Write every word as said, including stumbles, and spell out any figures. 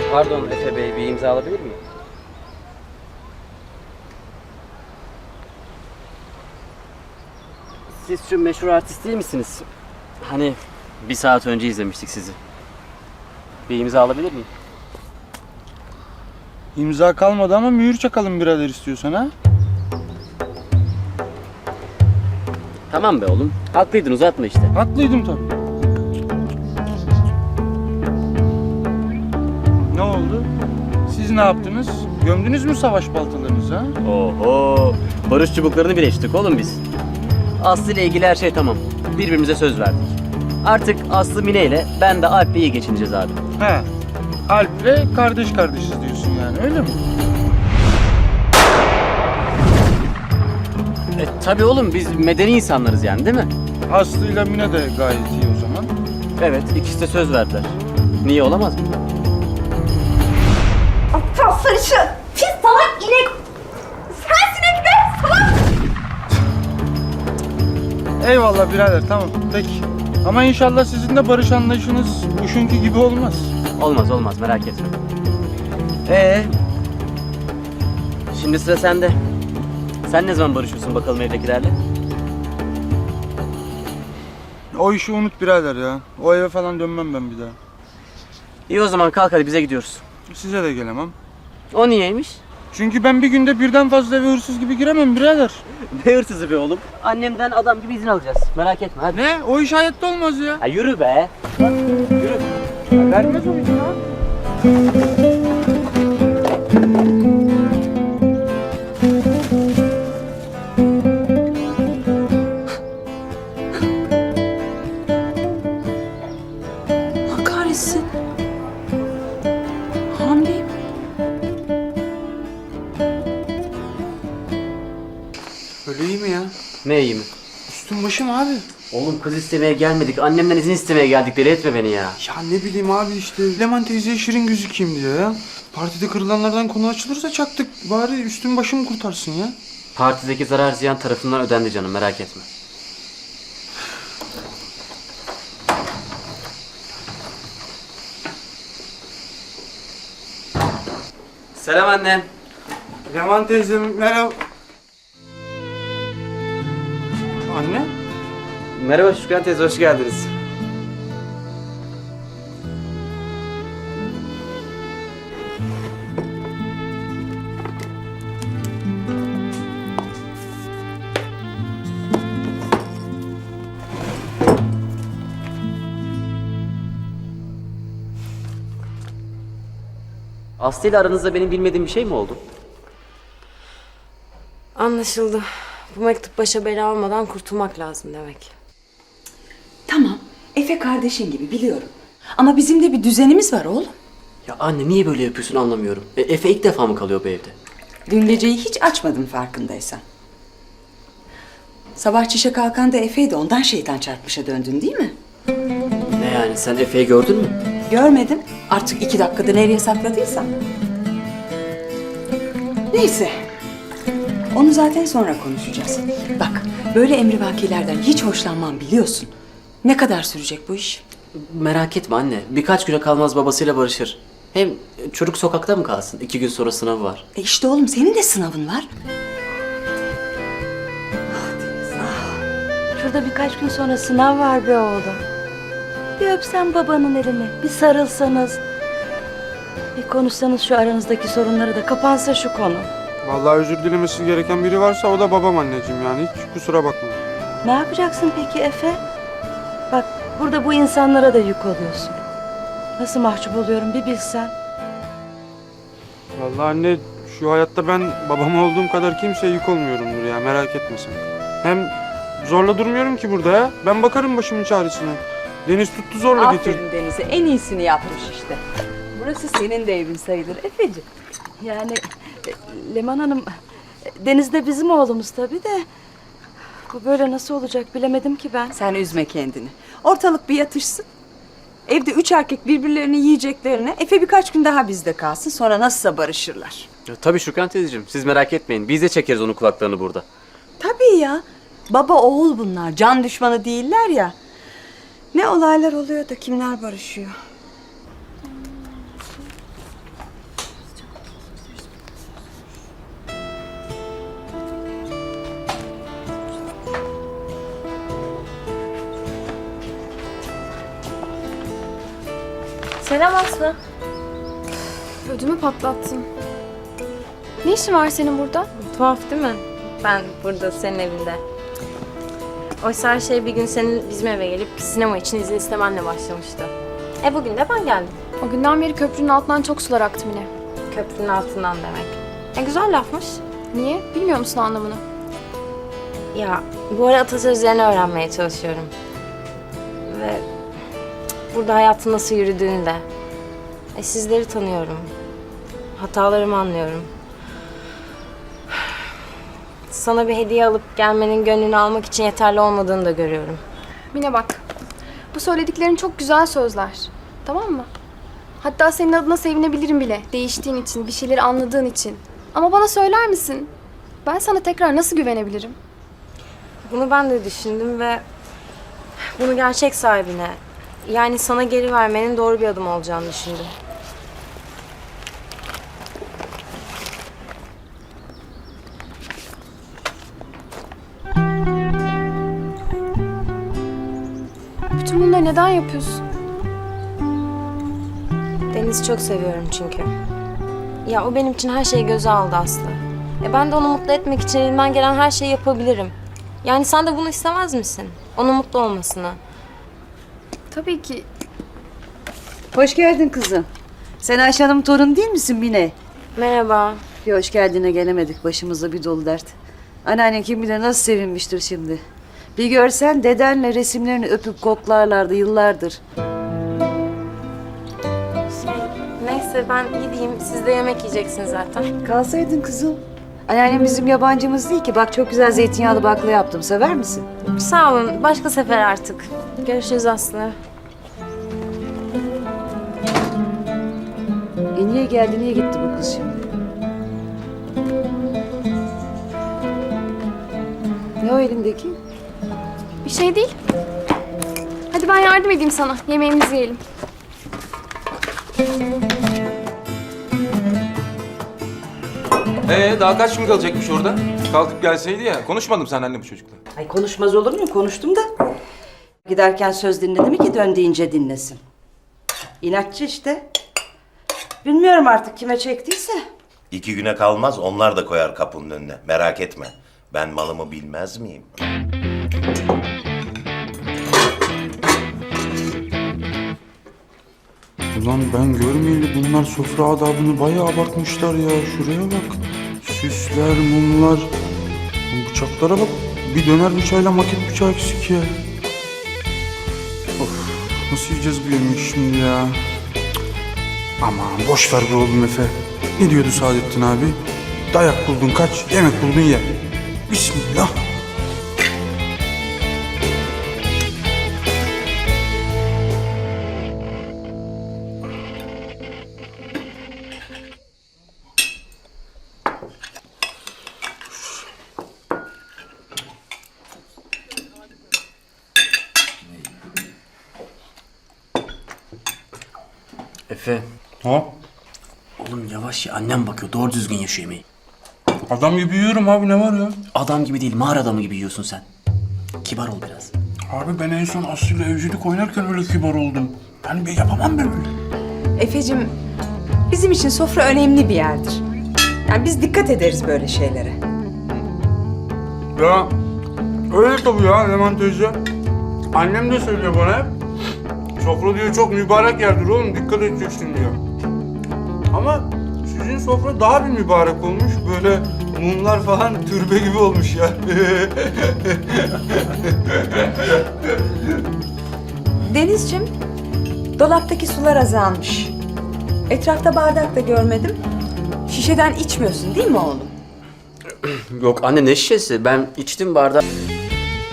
Pardon Efe Bey, bir imza alabilir miyim? Siz şu meşhur artist değil misiniz? Hani bir saat önce izlemiştik sizi. Bir imza alabilir miyim? İmza kalmadı ama mühür çakalım birader istiyorsan ha. Tamam be oğlum. Haklıydın, uzatma işte. Haklıydım tabii. Ne oldu? Siz ne yaptınız? Gömdünüz mü savaş baltalarınızı ha? Oho! Barış çubuklarını birleştirdik oğlum biz. Aslı ile ilgili her şey tamam. Birbirimize söz verdik. Artık Aslı Mine ile ben de Alp'le iyi geçineceğiz abi. He. Alp'le kardeş kardeşiz diyorsun yani öyle mi? E tabii oğlum, biz medeni insanlarız yani, değil mi? Aslı'yla Mine de gayet iyi o zaman. Evet, ikisi de söz verdiler. Niye olamaz mı? Aptal sarışın! Pis salak inek! Sensin Ekber! Salak! Eyvallah birader tamam peki. Ama inşallah sizin de barış anlayışınız uşunki gibi olmaz. Olmaz olmaz, merak etme. Ee, şimdi sıra sende. Sen ne zaman barışıyorsun bakalım evdekilerle? O işi unut birader ya. O eve falan dönmem ben bir daha. İyi o zaman kalk hadi, bize gidiyoruz. Size de gelemem. O niyeymiş? Çünkü ben bir günde birden fazla eve hırsız gibi giremem birader. Ne hırsızı be oğlum? Annemden adam gibi izin alacağız. Merak etme hadi. Ne? O iş hayatta olmaz ya. Ha, yürü be. Yürü. Ya vermez o izin ya. Allah kahretsin. Hamileyim. Öyle iyi mi ya? Ne iyi mi? Üstüm başım abi. Oğlum kız istemeye gelmedik. Annemden izin istemeye geldik. Deli etme beni ya. Ya ne bileyim abi işte Leman teyzeye şirin gözükeyim diye ya. Partide kırılanlardan konu açılırsa çaktık. Bari üstüm başım kurtarsın ya. Partideki zarar ziyan tarafından ödendi canım, merak etme. Selam annem. Leman teyzem merhaba. Anne? Merhaba Şükran teyze, hoş geldiniz. Aslı ile aranızda benim bilmediğim bir şey mi oldu? Anlaşıldı. Bu mektup başa bela olmadan kurtulmak lazım demek. Tamam, Efe kardeşin gibi biliyorum. Ama bizim de bir düzenimiz var oğlum. Ya anne niye böyle yapıyorsun anlamıyorum. E, Efe ilk defa mı kalıyor bu evde? Dün geceyi hiç açmadım farkındaysan. Sabah çişe kalkan da Efe'ydi, ondan şeytan çarpmışa döndün değil mi? Ne yani, sen Efe'yi gördün mü? Görmedim. Artık iki dakikada nereye sakladıysam. Neyse. Onu zaten sonra konuşacağız. Bak, böyle emrivakilerden hiç hoşlanmam biliyorsun. Ne kadar sürecek bu iş? Merak etme anne. Birkaç güne kalmaz babasıyla barışır. Hem çocuk sokakta mı kalsın? İki gün sonra sınavı var. E işte oğlum senin de sınavın var. Şurada birkaç gün sonra sınav var be oğlum. Bir öpsen babanın elini, bir sarılsanız. Bir konuşsanız şu aranızdaki sorunları da kapansa şu konu. Vallahi özür dilemesi gereken biri varsa o da babam anneciğim yani hiç kusura bakma. Ne yapacaksın peki Efe? Bak burada bu insanlara da yük oluyorsun. Nasıl mahcup oluyorum bir bilsen. Vallahi anne şu hayatta ben babam olduğum kadar kimseye yük olmuyorumdur ya merak etme sen. Hem zorla durmuyorum ki burada ya. Ben bakarım başımın çaresine. Deniz tuttu zorla getir. Aferin Deniz'e, en iyisini yapmış işte. Burası senin de evin sayılır Efeciğim. Yani e, Leman Hanım, e, Deniz de bizim oğlumuz tabii de. Bu böyle nasıl olacak bilemedim ki ben. Sen üzme kendini. Ortalık bir yatışsın. Evde üç erkek birbirlerini yiyeceklerine Efe birkaç gün daha bizde kalsın. Sonra nasılsa barışırlar. Ya, tabii Şükran teyzeciğim. Siz merak etmeyin. Biz de çekeriz onun kulaklarını burada. Tabii ya. Baba oğul bunlar. Can düşmanı değiller ya. Ne olaylar oluyor da kimler barışıyor. Selam Aslı. Ödümü patlattın. Ne işin var senin burada? Tuhaf değil mi? Ben burada senin evinde. Oysa her şey bir gün senin bizim eve gelip sinema için izin istemenle başlamıştı. E bugün de ben geldim. O günden beri köprünün altından çok sular aktı Mine. Köprünün altından demek. E güzel lafmış. Niye? Bilmiyor musun anlamını? Ya bu ara atasözlerini öğrenmeye çalışıyorum. Ve burada hayatın nasıl yürüdüğünü de. E sizleri tanıyorum. Hatalarımı anlıyorum. Sana bir hediye alıp gelmenin gönlünü almak için yeterli olmadığını da görüyorum. Mine bak. Bu söylediklerin çok güzel sözler. Tamam mı? Hatta senin adına sevinebilirim bile. Değiştiğin için, bir şeyleri anladığın için. Ama bana söyler misin? Ben sana tekrar nasıl güvenebilirim? Bunu ben de düşündüm ve bunu gerçek sahibine, yani sana geri vermenin doğru bir adım olacağını düşündüm. Bütün bunları neden yapıyorsun? Deniz'i çok seviyorum çünkü. Ya o benim için her şeyi göze aldı Aslı. E ben de onu mutlu etmek için elimden gelen her şeyi yapabilirim. Yani sen de bunu istemez misin? Onun mutlu olmasını. Tabii ki. Hoş geldin kızım. Sen Ayşe Hanım torun değil misin Mine? Merhaba. Bir hoş geldine gelemedik. Başımızda bir dolu dert. Anneannen kim bilir nasıl sevinmiştir şimdi. Bir görsen dedenle resimlerini öpüp koklarlardı yıllardır. Neyse ben gideyim. Siz de yemek yiyeceksiniz zaten. Kalsaydın kızım. Anneannem bizim yabancımız değil ki. Bak çok güzel zeytinyağlı bakla yaptım. Sever misin? Sağ olun. Başka sefer artık. Görüşürüz Aslı. E niye geldi, niye gitti bu kız şimdi? Ne o elindeki? Bir şey değil. Hadi ben yardım edeyim sana. Yemeğimizi yiyelim. Ee daha kaç gün kalacakmış orada? Kalkıp gelseydi ya. Konuşmadım sen anne bu çocukla. Ay konuşmaz olur muyum? Konuştum da. Giderken söz dinledi mi ki dön deyince dinlesin. İnatçı işte. Bilmiyorum artık kime çektiyse. İki güne kalmaz onlar da koyar kapının önüne. Merak etme. Ben malımı bilmez miyim? Ulan ben görmeyeli bunlar sofra adabını bayağı abartmışlar ya. Şuraya bak. Süsler, mumlar. Bu bıçaklara bak. Bir döner bıçağıyla maket bıçağı eksik ya. Of, nasıl yiyeceğiz bu yemeği şimdi ya? Cık. Aman boş ver be oğlum Efe. Ne diyordu Saadettin abi? Dayak buldun kaç, yemek buldun ye. Bismillah. Efe. Ha? Oğlum yavaş ya, annem bakıyor. Doğru düzgün ye şu yemeği. Adam gibi yiyorum abi, ne var ya? Adam gibi değil, mağara adamı gibi yiyorsun sen. Kibar ol biraz. Abi ben en son Aslı'yla evcilik oynarken öyle kibar oldum. Ben bir yapamam ben öyle. Efe'cim, bizim için sofra önemli bir yerdir. Yani biz dikkat ederiz böyle şeylere. Ya öyle tabii ya Leman teyze. Annem de söylüyor bana hep. Sofra diyor çok mübarek yerdir oğlum, dikkat edeceksin diyor. Ama sizin sofra daha bir mübarek olmuş. Böyle mumlar falan türbe gibi olmuş ya. Denizciğim, dolaptaki sular azalmış. Etrafta bardak da görmedim. Şişeden içmiyorsun değil mi oğlum? Yok anne, ne şişesi? Ben içtim bardağı.